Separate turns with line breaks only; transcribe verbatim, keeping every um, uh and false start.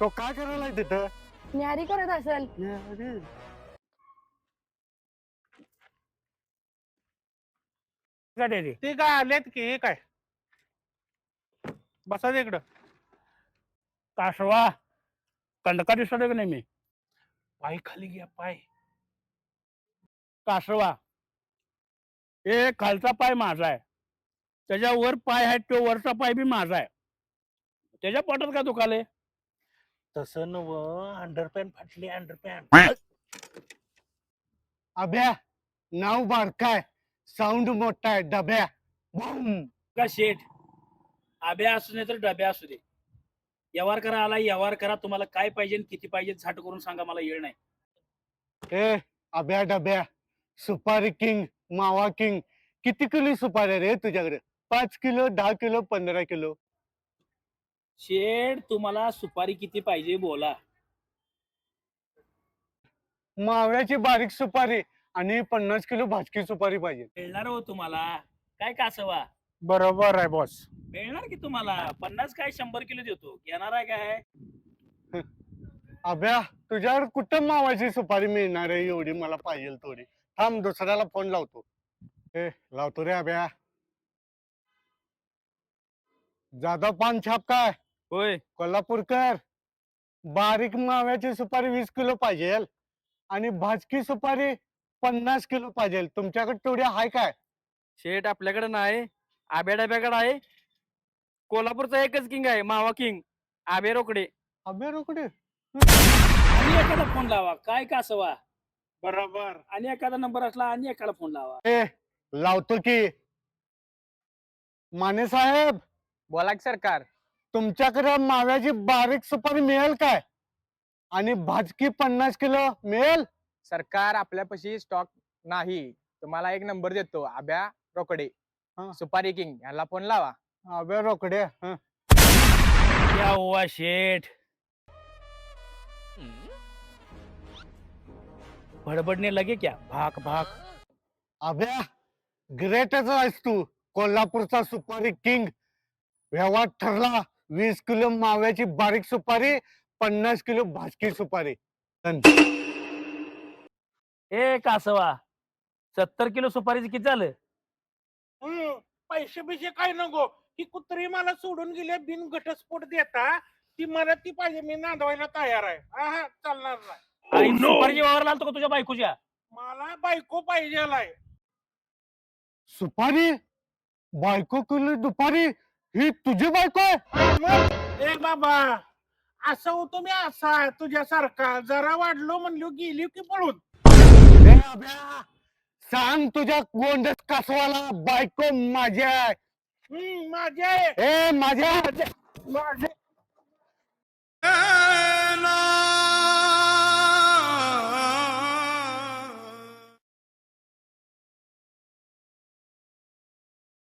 तो काय करायला तिथं?
न्यारी करत असेल.
अरे
काय ते
ते काय आलेत की हे काय बसा इकडं.
कासवा कंडका दिसतोय की नाही मी
पाय खाली घ्या पाय.
कासवा हे खालचा पाय माझा आहे, त्याच्या वर पाय आहे तो वरचा पाय बी माझा आहे. त्याच्या पोटात का दुखाले?
तसं नव अंडरपॅन्ट फाटली अंडरपॅन्ट.
अभ्या नाव बारकाय, साऊंड मोठा आहे. डब्या बूम.
का शेठ आब्या असू नये तर डब्या असू दे, व्यवहार करा आला व्यवहार करा. तुम्हाला काय पाहिजे आणि किती पाहिजे झाट करून सांगा, मला येळ नाही.
ए अभ्या डब्या, सुपारी किंग, मावा किंग. किती किलो सुपारी रे तुझ्याकडे? पाच किलो, दहा किलो, पंधरा किलो?
शेठ तुम्हाला सुपारी किती पाहिजे बोला.
माव्याची बारीक सुपारी आणि पन्नास किलो भाजकी सुपारी पाहिजे.
मिळणार हो तुम्हाला. काय कासवा
बरोबर आहे बॉस.
मिळणार की तुम्हाला. पन्नास काय शंभर किलो देतो, घेणार आहे काय?
अभ्या तुझ्याकडे कुठं मावाची सुपारी मिळणार आहे एवढी मला पाहिजे थोडी? थांब दुसऱ्याला फोन लावतो. ए लावतो रे अभ्या. जाधव पान छाप काय?
होय.
कोल्हापूरकर. बारीक माव्याची सुपारी वीस किलो पाहिजे आणि भाजकी सुपारी पन्नास किलो पाहिजे. तुमच्याकडे तेवढी आहे काय?
शेट आपल्याकडे नाही, आब्या डब्याकडे आहे. कोल्हापूरचा एकच किंग आहे, मावा किंग आबे रोकडे.
अभ्या रोकडे.
आणि एखादा फोन लावा. काय कासवा
बरोबर.
आणि एखादा नंबर असला आणि एखादा फोन लावा.
ए लावतो की. माने साहेब
बोला की सरकार.
तुमच्याकडे माव्याची बारीक सुपारी मिळेल काय? आणि भाजकी पन्नास किलो मिळेल?
सरकार आपल्यापाशी स्टॉक नाही. तुम्हाला एक नंबर देतो, आब्या रोकडे
हा.
सुपारी किंग, याला फोन लावा.
अभ्या रोकडे. हं.
या हुआ शेठ बडबडने लगे क्या भाक भाक.
अभ्या ग्रेटच आहेस तू. कोल्हापूरचा सुपारी किंग. व्यवहार ठरला. वीस किलो माव्याची बारीक सुपारी, पन्नास किलो भाजकी सुपारी. डन.
ए कासवा सत्तर किलो सुपारीचं किती झालं?
हम्म, पैसे बिशे काय नको. ही कुत्री मला सोडून गेले बिन घटस्फोट देता. ती मला ती पाहिजे, मी नांदवायला तयार आहे. हा हा चालणार नाही.
आई सुपारीची वावर लागतो का तुझ्या बायकोच्या?
मला बायको पाहिजे.
सुपारी बायको किलो दुपारी. ही तुझी बायको आहे?
ए बाबा असं होतो मी असा तुझ्यासारखा. जरा वाढलो म्हणलो गेली की पळून.
ए अभ्या सांग तुझ्या गोंडस कासवाला बायको माझी आहे.
हम्म माझे
ए माझ्या
माझे